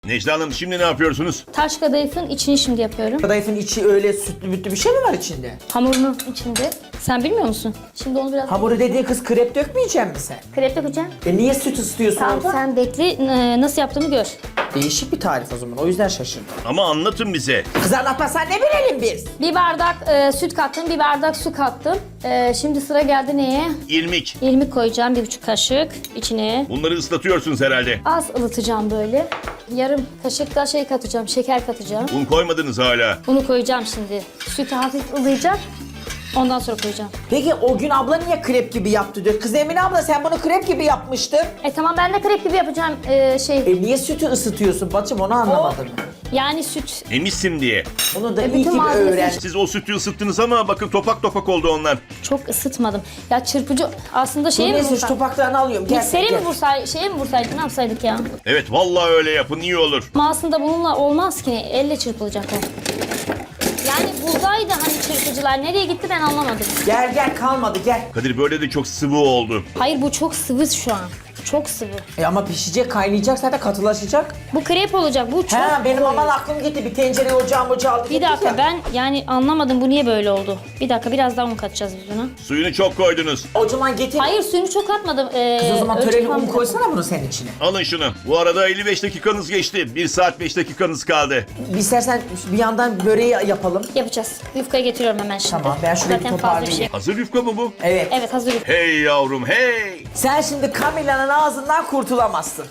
Necla Hanım şimdi ne yapıyorsunuz? Taş kadayıfın içini şimdi yapıyorum. Kadayıfın içi öyle sütlü mütlü bir şey mi var içinde? Hamurun içinde. Sen bilmiyor musun? Şimdi onu biraz... Hamuru dediğin kız krep dökmeyecek misin sen? Krep yapacağım. Niye süt ısıtıyorsun Tamam orada? sen bekle nasıl yaptığımı gör. Değişik bir tarif o zaman. O yüzden şaşırdım. Ama anlatın bize. Kız anlatmasan ne bilelim biz? Bir bardak süt kattım, bir bardak su kattım. Şimdi sıra geldi neye? İrmik. İrmik koyacağım, 1,5 kaşık içine. Bunları ıslatıyorsunuz herhalde. Az ılıtacağım böyle. Yarım kaşık da şey katacağım, şeker katacağım. Un koymadınız hala. Bunu koyacağım şimdi. Sütü hafif ılıyacak. Ondan sonra koyacağım. Peki o gün abla niye krep gibi yaptı diyor. Kız Emine abla sen bunu krep gibi yapmıştın. Tamam ben de krep gibi yapacağım Niye sütü ısıtıyorsun bacım onu anlamadım. Yani süt. Emişsin diye. Onu da iyi bütün ki bir malzemesi- öğren. Siz o sütü ısıttınız ama bakın topak topak oldu onlar. Çok ısıtmadım. Ya çırpıcı aslında şeye mi Neyse şu vursak? topaklarını alıyorum. Gel, Mikseri gel. mi vursaydık, şeye mi vursaydık, ne yapsaydık ya? Evet vallahi öyle yapın iyi olur. Ama aslında bununla olmaz ki. Elle çırpılacak o. Yani buradaydı hani çırpıcılar. Nereye gitti ben anlamadım. Gel gel kalmadı gel. Kadir böyle de çok sıvı oldu. Hayır bu çok sıvı şu an. Çok sıvı. Ama pişecek kaynayacak zaten katılaşacak. Bu krep olacak. Bu çok Benim koyu. aman aklım gitti. Bir tencereye ocağı aldı. Bir dakika ben yani anlamadım bu niye böyle oldu. Bir dakika biraz daha un katacağız biz buna. Suyunu çok koydunuz. O zaman getir. Hayır suyunu çok atmadım. Kız o zaman ölçü töreli un falan koysana bunu senin içine. Alın şunu. Bu arada 55 dakikanız geçti. 1 saat 5 dakikanız kaldı. İstersen bir yandan böreği yapalım. yapacağız. Yufkayı getiriyorum hemen şimdi. Tamam, ben şurayı bir Zaten fazla bir toparlayayım. şey. Hazır yufka mı bu? Evet. Evet hazır yufka. Hey yavrum hey. Sen şimdi Camilla'nın ağzından kurtulamazsın.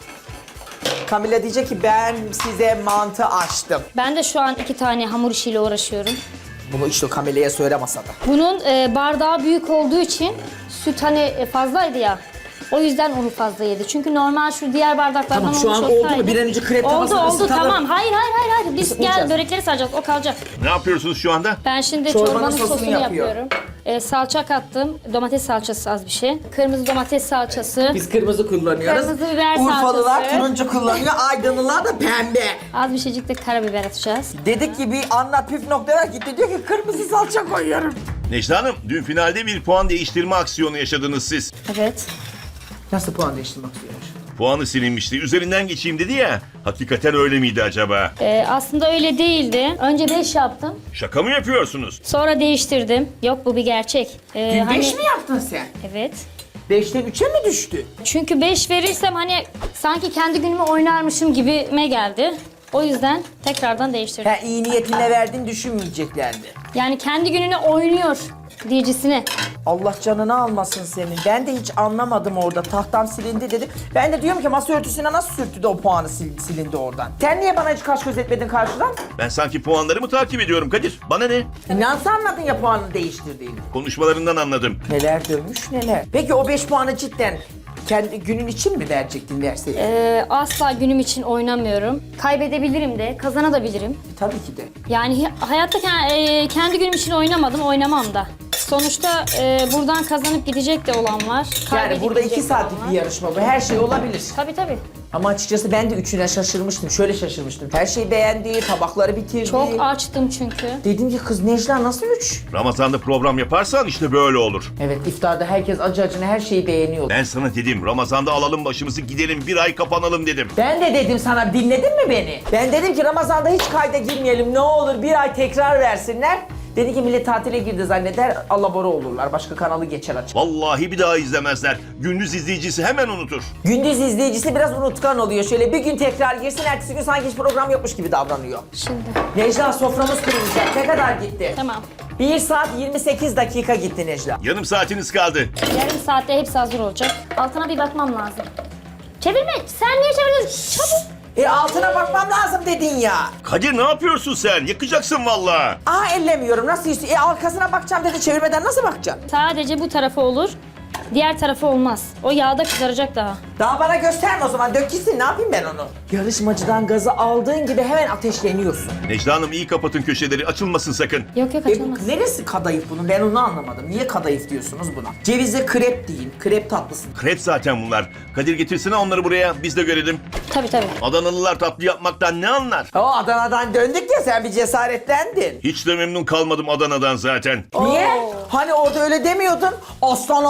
Camilla diyecek ki ben size mantı açtım. Ben de şu an 2 tane hamur işiyle uğraşıyorum. Bunu işte Camilla'ya söyle masada. Bunun bardağı büyük olduğu için süt hani fazlaydı ya. O yüzden onu fazla yedi. Çünkü normal şu diğer bardaklardan Tamam, şu olmuş an oldu mu? olsaydı- Bir an önce krep tavasını Oldu ısıtalım. tamam. Hayır. Biz Isıtmayacağız. gel börekleri saracağız. O kalacak. Ne yapıyorsunuz şu anda? Ben şimdi Çorbanın çorbanın sosunu sosunu yapıyor. yapıyorum. Salça kattım. Domates salçası az bir şey. Kırmızı domates salçası. Biz kırmızı kullanıyoruz. Kırmızı biber Urfalılar salçası. turuncu kullanıyor, Aydınlılar da pembe. Az bir şeycik de karabiber atacağız. Dedik ki bir anlat püf noktalar gitti diyor ki kırmızı salça koyuyorum. Necla Hanım dün finalde bir puan değiştirme aksiyonu yaşadınız siz. Evet. Nasıl puan değiştirmek istiyormuş? Puanı silinmişti. Üzerinden geçeyim dedi ya. Hakikaten öyle miydi acaba? Aslında öyle değildi. Önce 5 yaptım. Şaka mı yapıyorsunuz? Sonra değiştirdim. Yok bu bir gerçek. Dün 5 mi yaptın sen? Evet. 5'ten 3'e mi düştü? Çünkü 5 verirsem hani sanki kendi günümü oynarmışım gibime geldi. O yüzden tekrardan değiştirdim. İyi niyetinle verdin düşünmeyeceklerdi. Yani kendi gününü oynuyor diyecisine. Allah canını almasın senin. Ben de hiç anlamadım orada. Tahtam silindi dedim. Ben de diyorum ki masa örtüsüne nasıl sürttü de o puanı silindi oradan. Sen niye bana hiç kaş göz etmedin karşıdan? Ben sanki puanlarımı takip ediyorum Kadir. Bana ne? Nasıl anladın ya puanını değiştirdiğini? Konuşmalarından anladım. Neler dönmüş neler. Peki o 5 puanı cidden kendi günün için mi verecektin verseydin? Asla günüm için oynamıyorum. Kaybedebilirim de, kazanabilirim. Tabii ki de. Yani hayatta kendi günüm için oynamadım, oynamam da. Sonuçta buradan kazanıp gidecek de olan var. Yani kaybedip burada 2 gidecek de olan saatlik var. bir yarışma bu. Her şey olabilir. Tabii. Ama açıkçası ben de üçüne şaşırmıştım. Şöyle şaşırmıştım. Her şeyi beğendi, tabakları bitirdi. Çok açtım çünkü. Dedim ki kız Necla nasıl 3? Ramazan'da program yaparsan işte böyle olur. Evet iftarda herkes acı acına her şeyi beğeniyor. Ben sana dedim Ramazan'da alalım başımızı gidelim bir ay kapanalım dedim. Ben de dedim sana dinledin mi beni? Ben dedim ki Ramazan'da hiç kayda girmeyelim ne olur bir ay tekrar versinler. Dedi ki millet tatile girdi zanneder alabora olurlar. Başka kanalı geçer açık. Vallahi bir daha izlemezler. Gündüz izleyicisi hemen unutur. Gündüz izleyicisi biraz unutkan oluyor. Şöyle bir gün tekrar girsin ertesi gün sanki hiç program yokmuş gibi davranıyor. Şimdi. Necla soframız kurulacak. Ne kadar gitti? Tamam. 1 saat 28 dakika gitti Necla. Yarım saatiniz kaldı. Yarım saatte hepsi hazır olacak. Altına bir bakmam lazım. Çevirme. Sen niye çeviriyorsun? Çabuk. Altına bakmam lazım dedin ya. Kadir ne yapıyorsun sen? Yakacaksın vallahi. Ellemiyorum nasıl istiyor? Arkasına bakacağım dedi çevirmeden nasıl bakacaksın? Sadece bu tarafı olur. Diğer tarafı olmaz. O yağda kızaracak daha. Daha bana gösterme o zaman dök gitsin ne yapayım ben onu? Yarışmacıdan gazı aldığın gibi hemen ateşleniyorsun. Necla Hanım iyi kapatın köşeleri açılmasın sakın. Yok açılmaz. Neresi kadayıf bunun ben onu anlamadım. Niye kadayıf diyorsunuz buna? Cevizli krep deyin. Krep tatlısı. Krep zaten bunlar. Kadir getirsene onları buraya biz de görelim. Tabii. Adanalılar tatlı yapmaktan ne anlar? O Adana'dan döndük ya sen bir cesaretlendin. Hiç de memnun kalmadım Adana'dan zaten. Niye? Hani orada öyle demiyordun? Aslan ablaları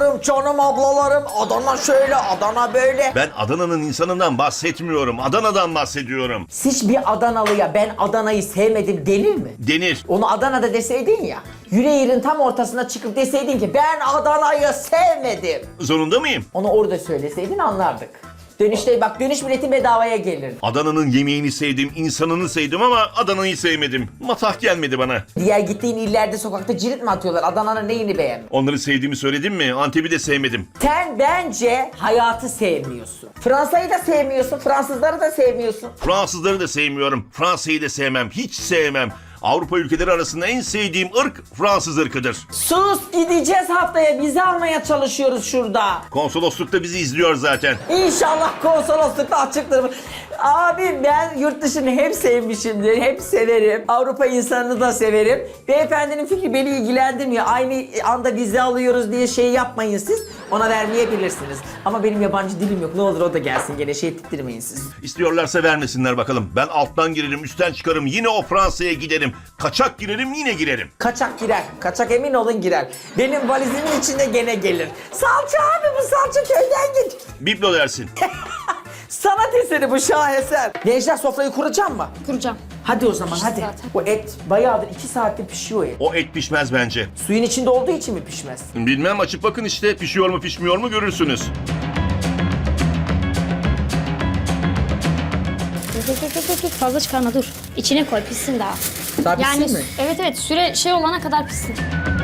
ablalarım, canım ablalarım. Adana şöyle, Adana böyle. Ben Adana'nın insanından bahsetmiyorum. Adana'dan bahsediyorum. Siz bir Adanalıya ben Adana'yı sevmedim denir mi? Denir. Onu Adana'da deseydin ya. Yüreğirin tam ortasına çıkıp deseydin ki ben Adana'yı sevmedim. Zorunda mıyım? Onu orada söyleseydin anlardık. Dönüşte bak dönüş bileti bedavaya gelirdi. Adana'nın yemeğini sevdim, insanını sevdim ama Adana'yı sevmedim. Matah gelmedi bana. Diğer gittiğin illerde sokakta cirit mi atıyorlar? Adana'nın neyini beğenmiyor? Onları sevdiğimi söyledim mi? Antep'i de sevmedim. Sen bence hayatı sevmiyorsun. Fransa'yı da sevmiyorsun, Fransızları da sevmiyorsun. Fransızları da sevmiyorum. Fransa'yı da sevmem. Hiç sevmem. Avrupa ülkeleri arasında en sevdiğim ırk Fransız ırkıdır. Sus gideceğiz haftaya vize almaya çalışıyoruz şurada. Konsoloslukta bizi izliyor zaten. İnşallah konsoloslukta açıktır. Abi ben yurt dışını hep sevmişimdir, hep severim. Avrupa insanını da severim. Beyefendinin fikri beni ilgilendirmiyor. Aynı anda vize alıyoruz diye şey yapmayın siz. Ona vermeyebilirsiniz. Ama benim yabancı dilim yok. Ne olur o da gelsin gene şey ettirmeyin siz. İstiyorlarsa vermesinler bakalım. Ben alttan girerim, üstten çıkarım. Yine o Fransa'ya giderim. Kaçak girerim, yine girerim. Kaçak girer. Kaçak emin olun girer. Benim valizimin içinde gene gelir. Salça abi bu salça köyden gelir. Biblo dersin. Sanat eseri bu şaheser. Necla sofrayı kuracağım mı? Kuracağım. Hadi o zaman Pişti hadi. zaten. O et bayağıdır 2 saattir pişiyor o et. O et pişmez bence. Suyun içinde olduğu için mi pişmez? Bilmem, açıp bakın işte, pişiyor mu pişmiyor mu görürsünüz. Dur, fazla çıkarma dur. İçine koy pişsin daha. Daha pişsin Yani mi? evet süre şey olana kadar pişsin.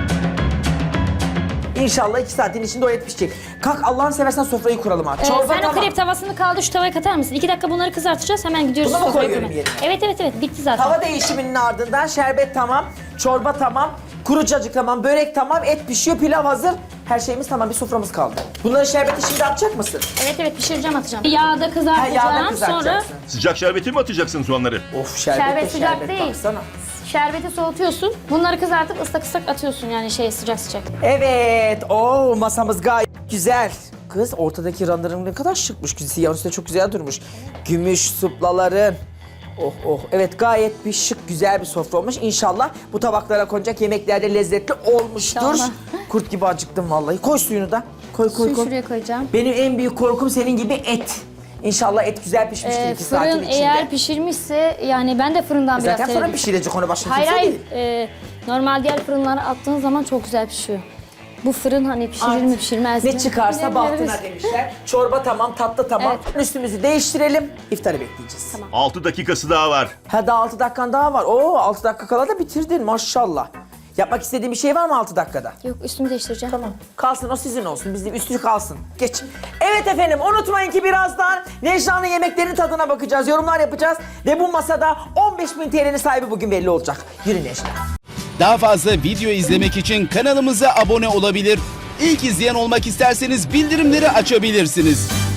İnşallah 2 saatin içinde o et pişecek. Kalk Allah'ını seversen sofrayı kuralım abi. Çorba Sen o tamam. krep tavasını kaldı şu tavaya katar mısın? 2 dakika bunları kızartacağız hemen gidiyoruz. Bunu mu sofrayı koyuyorum kurmaya. yerine? Evet bitti zaten. Tava değişiminin ardından şerbet tamam, çorba tamam, kuru cacık tamam, börek tamam, et pişiyor, pilav hazır. Her şeyimiz tamam, bir soframız kaldı. Bunların şerbeti şimdi atacak mısın? Evet pişireceğim atacağım. Yağda Ha, kızartacağım yağda sonra kızartacaksın. Sıcak şerbeti mi atacaksın soğanları? Of şerbet, şerbet de sıcak şerbet değil. baksana. Şerbeti soğutuyorsun. Bunları kızartıp ıslak ıslak atıyorsun yani sıcak sıcak. Evet, masamız gayet güzel. Kız ortadaki ranların ne kadar şıkmış. Siyahın üstünde çok güzel durmuş. Gümüş suplaların. Oh. Evet gayet bir şık güzel bir sofra olmuş. İnşallah bu tabaklara konacak yemekler de lezzetli olmuştur. İnşallah. Kurt gibi acıktım vallahi. Koy suyunu da. Koy. Suyu şuraya koyacağım. Benim en büyük korkum senin gibi et. İnşallah et güzel pişmiştir 2 saatin Fırın içinde. eğer pişirmişse yani ben de fırından biraz Zaten severim. fırın pişirecek onu başka Hayır kimse hayır. değil. Normal diğer fırınlara attığın zaman çok güzel pişiyor. Bu fırın hani pişirir mi Artık pişirmez mi? ne çıkarsa Bilemiyoruz. bahtına demişler. Çorba tamam, tatlı tamam. Üstümüzü değiştirelim. İftarı bekleyeceğiz. Tamam. 6 dakikası daha var. Ha daha 6 dakikan daha var. Oo 6 dakika kala da bitirdin maşallah. Yapmak istediğin bir şey var mı 6 dakikada? Yok üstümü değiştireceğim. Tamam. Kalsın o sizin olsun. Bizim üstü kalsın. Geç. Evet efendim unutmayın ki birazdan Necla'nın yemeklerinin tadına bakacağız. Yorumlar yapacağız. Ve bu masada 15.000 TL'nin sahibi bugün belli olacak. Yürü Necla. Daha fazla video izlemek için kanalımıza abone olabilir. İlk izleyen olmak isterseniz bildirimleri açabilirsiniz.